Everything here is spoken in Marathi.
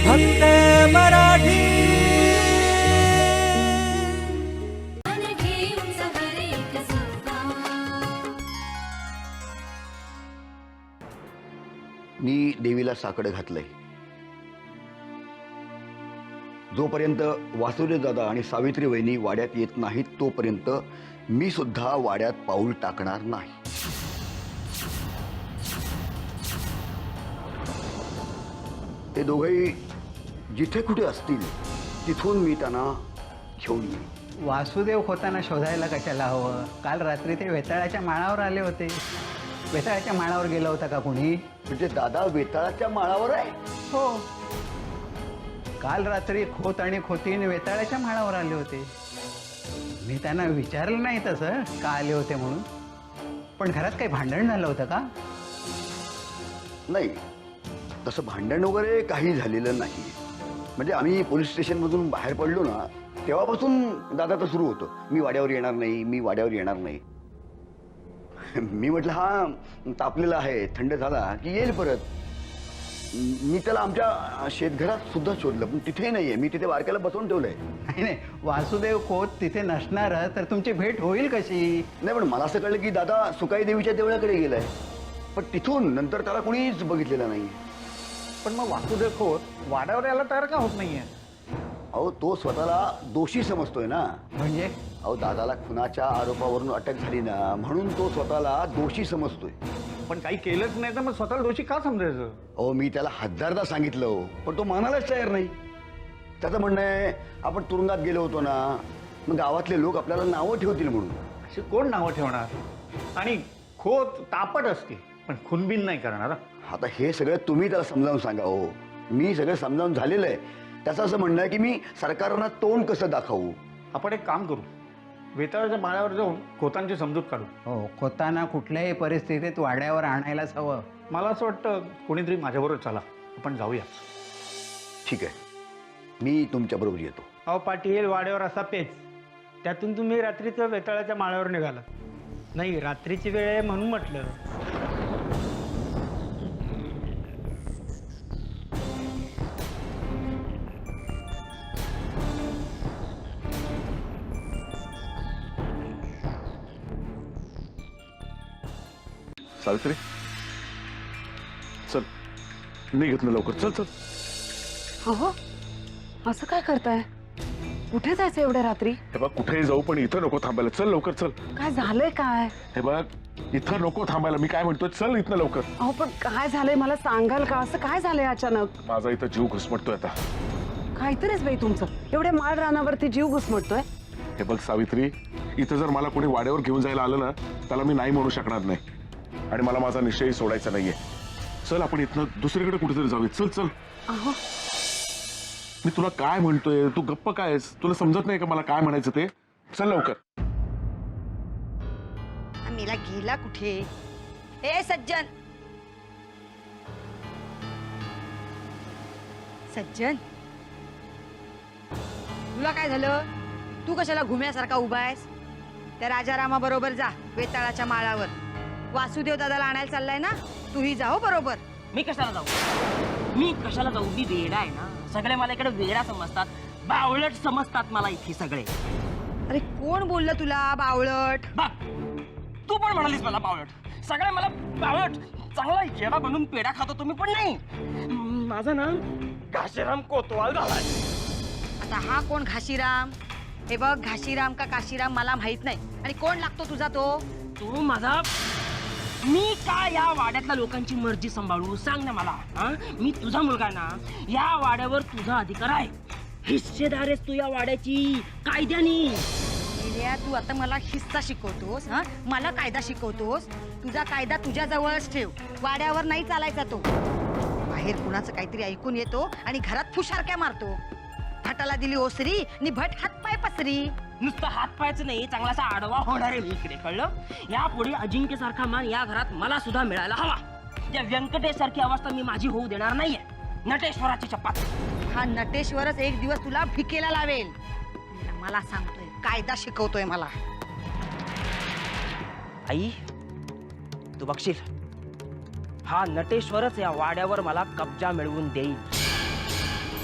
फक्त मराठी। मी देवीला साकडं घातलंय। जोपर्यंत वासुदेव दादा आणि सावित्री वहिनी वाड्यात येत नाहीत तोपर्यंत मी सुद्धा वाड्यात पाऊल टाकणार नाही। ते दोघेही जिथे कुठे असतील तिथून मी त्यांना घेऊन येईन। वासुदेव खोताना शोधायला कशाला हवं? काल रात्री ते वेताळाच्या माळावर आले होते। वेताळाच्या माळावर गेला होता का कोणी? म्हणजे दादा वेताळाच्या माळावर आहे? हो, काल रात्री खोत आणि खोतीन वेताळाच्या माळावर आले होते। मी त्यांना विचारलं नाही तसं का आले होते म्हणून, पण घरात काही भांडण झालं होतं का? नाही, तसं भांडण वगैरे काही झालेलं नाही। म्हणजे आम्ही पोलीस स्टेशनमधून बाहेर पडलो ना तेव्हापासून दादाचं सुरू होतं, मी वाड्यावर येणार नाही, मी वाड्यावर येणार नाही। मी म्हटलं हा तापलेला आहे, थंड झाला की येईल परत। मी त्याला आमच्या शेतघरात सुद्धा शोधलं पण तिथेही नाहीये। मी तिथे बारक्याला बसवून ठेवलंय। नाही नाही, वासुदेव खोत तिथे नसणार तर तुमची भेट होईल कशी? नाही, पण मला असं कळलं की दादा सुकाई देवीच्या देवळाकडे गेलाय, पण तिथून नंतर त्याला कोणीच बघितलेलं नाही। पण मग वासुदेव खोत वाड्यावर यायला तयार का होत नाहीये? अहो, तो स्वतःला दोषी समजतोय ना। म्हणजे अहो, दादाला खुनाच्या आरोपावरून अटक झाली ना म्हणून तो स्वतःला दोषी समजतोय। पण काही केलंच नाही तर मग स्वतःला दोषी का समजायचं? अहो, मी त्याला हजारदा सांगितलं हो, पण तो मानायलाच तयार नाही। त्याचं म्हणणं आहे आपण तुरुंगात गेलो होतो ना, मग गावातले लोक आपल्याला नावं ठेवतील म्हणून। अशी कोण नावं ठेवणार? आणि खोत तापट असते पण खुनबिन नाही करणार। आता हे सगळं तुम्ही त्याला समजावून सांगा हो। मी सगळं समजावून झालेलं आहे। त्याचं असं म्हणणं आहे की मी सरकारला तोंड कसं दाखवू। आपण एक काम करू, वेताळाच्या माळ्यावर जाऊन खोतांची समजूत काढू। हो, खोताना कुठल्याही परिस्थितीत वाड्यावर आणायलाच हवं। मला असं वाटतं कोणीतरी माझ्याबरोबर चला, आपण जाऊया। ठीक आहे, मी तुमच्याबरोबर येतो। अहो पाटील, वाड्यावर असा पेच, त्यातून तुम्ही रात्रीचं वेताळाच्या माळ्यावर निघाला नाही। रात्रीची वेळ आहे म्हणून म्हटलं। सावित्री, चल निघत ना लवकर, चल चल। अहो, असं काय करताय? कुठे जायचं एवढ्या रात्री? हे बघ, कुठेही जाऊ पण इथं नको थांबायला। चल लवकर, चल। काय झालंय काय? हे बघ, इथं नको थांबायला। मी काय म्हणतोय, चल इथनं लवकर। अहो पण काय झालंय मला सांगाल का? असं काय झालंय अचानक? माझा इथं जीव घुसमटतोय आता। काहीतरीच बाई तुमचं, एवढ्या माळ रानावरती जीव घुसमटतोय। हे बघ सावित्री, इथं जर मला कोणी वाड्यावर घेऊन जायला आलं ना त्याला मी नाही म्हणू शकणार नाही, आणि मला माझा निश्चयही सोडायचा नाहीये। चल आपण इथनं दुसरीकडे कुठेतरी जाऊया। चल चल। अहो मी तुला काय म्हणतोय, तू गप्प काय आहेस? तुला समजत नाही का मला काय म्हणायचं ते? चल लवकर। मेला गेला कुठे? ए सज्जन, सज्जन, तुला काय झालं? तू कशाला घुम्यासारखा उभा आहेस? त्या राजारामा बरोबर जा वेताळाच्या माळावर। वासुदेव दादाला आणायला चाललाय ना, तूही जाओ बरोबर। मी कशाला जाऊ? मी कशाला जाऊ? मी वेडा आहे ना। सगळे मला इकडे वेडा समजतात, बावळट समजतात मला इथे सगळे। अरे कोण बोललं तुला बावळट? बघ, तू पण म्हणालीस मला बावळट। सगळे मला बावळट, चांगला येडा बनून पेढा खातो तुम्ही, पण नाही। माझं नाव घाशीराम कोतवाल झालाय। आता हा कोण घाशीराम? हे बघ, घाशीराम का काशीराम मला माहित नाही। आणि कोण लागतो तुझा तो? तू माझा, मी का या वाड्यातल्या लोकांची मर्जी सांभाळू? सांग ना मला। मी तुझा मुलगा ना, या वाड्यावर तुझा अधिकार आहे। हिस्सेदार आहेस तू या वाड्याची कायद्याने। तू आता मला हिस्सा शिकवतोस? हा, मला कायदा शिकवतोस? तुझा कायदा तुझ्या जवळच ठेव, वाड्यावर नाही चालायचा तो। बाहेर कुणाचं काहीतरी ऐकून येतो आणि घरात फुशारक्या मारतो। भटाला दिली ओसरी आणि भट हातपाय पसरी। नुसतं हात पायचं नाही, चांगलासा आडवा होणार आहे मी इकडे, कळलं? यापुढे अजिंक्य सारखा मान या घरात मला सुद्धा मिळायला हवा। त्या व्यंकटेश सारखी अवस्था मी माझी होऊ देणार नाहीये। नटेश्वराची चपात। हा नटेश्वरच एक दिवस तुला भिकेला लावेल। मला सांगतोय, कायदा शिकवतोय मला। आई, तू बघशील, हा नटेश्वरच या वाड्यावर मला कब्जा मिळवून देईल।